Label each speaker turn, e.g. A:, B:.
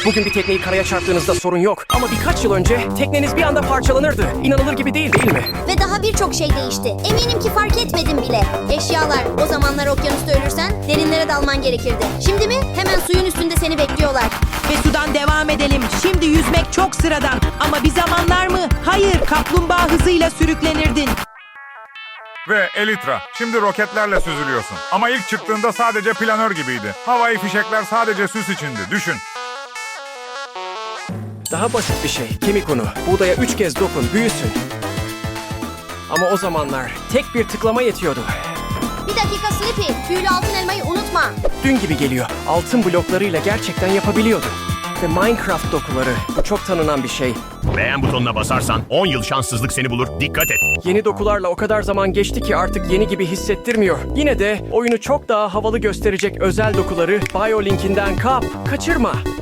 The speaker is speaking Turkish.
A: Bugün bir tekneyi karaya çarptığınızda sorun yok. Ama birkaç yıl önce tekneniz bir anda parçalanırdı. İnanılır gibi değil, değil mi?
B: Ve daha birçok şey değişti. Eminim ki fark etmedim bile. Eşyalar, o zamanlar okyanusta ölürsen derinlere dalman gerekirdi. Şimdi mi? Hemen suyun üstünde seni bekliyorlar.
C: Ve sudan devam edelim. Şimdi yüzmek çok sıradan. Ama bir zamanlar mı? Hayır, kaplumbağa hızıyla sürüklenirdin.
D: Ve Elytra, şimdi roketlerle süzülüyorsun. Ama ilk çıktığında sadece planör gibiydi. Havai fişekler sadece süs içindi, düşün.
A: Daha basit bir şey. Kemik unu. Buğdaya 3 kez dokun, büyüsün. Ama o zamanlar tek bir tıklama yetiyordu.
B: Bir dakika Slippy, tüylü altın elmayı unutma.
A: Dün gibi geliyor. Altın bloklarıyla gerçekten yapabiliyordu. Ve Minecraft dokuları. Bu çok tanınan bir şey.
E: Beğen butonuna basarsan 10 yıl şanssızlık seni bulur. Dikkat et.
A: Yeni dokularla o kadar zaman geçti ki artık yeni gibi hissettirmiyor. Yine de oyunu çok daha havalı gösterecek özel dokuları BioLink'inden kaçırma.